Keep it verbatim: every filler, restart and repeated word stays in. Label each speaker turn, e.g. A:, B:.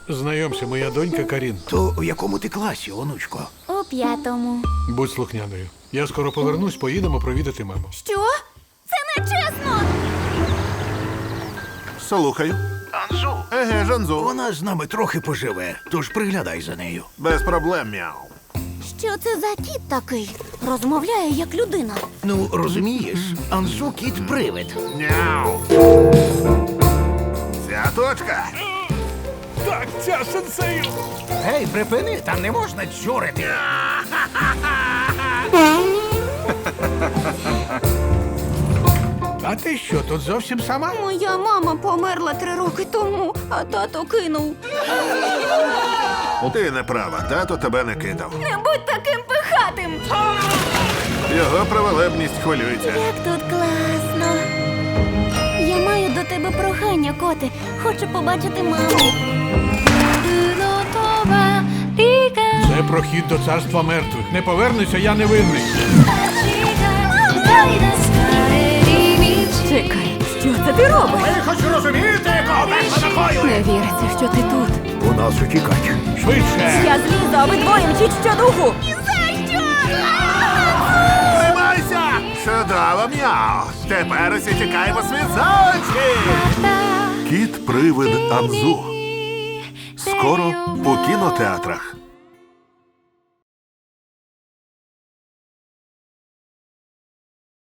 A: Знайомся, моя донька Карін.
B: То в якому ти класі, онучко?
C: У п'ятому.
A: Будь слухняною. Я скоро повернусь, поїдемо провідати маму.
C: Що? Це не чесно!
D: Слухаю.
B: Анзу.
D: Еге, Жанзу.
B: Вона з нами трохи поживе, тож приглядай за нею.
D: Без проблем, мяу.
C: Що це за кіт такий? Розмовляє як людина.
B: Ну, розумієш, Анзу кіт-привид.
D: Мяу. Ця точка.
A: Так, ця сенсею!
B: Гей, припини, там не можна чурити.
A: А ти що, тут зовсім сама?
C: Моя мама померла три роки тому, а тато кинув.
D: Ти не права, тато тебе не кидав.
C: Не будь таким пихатим!
D: Його праволебність хвилюється.
C: Як тут класно. Я маю до тебе прохання, коти. Хочу побачити маму.
A: Це прохід до царства мертвих. Не повернуся, я не винний.
E: Чекай, що це ти робиш?
B: Ви хоч розумієте, якого верха накою?
E: Не віриться, що ти тут.
B: У нас утікач.
A: Швидше!
E: Я злізу, а ви двоє мчіть щодуху.
D: Тримайся! Чудово, мяу. Тепер усі тікаємо світ за очі. Кіт-привид Анзу. Скоро у кінотеатрах.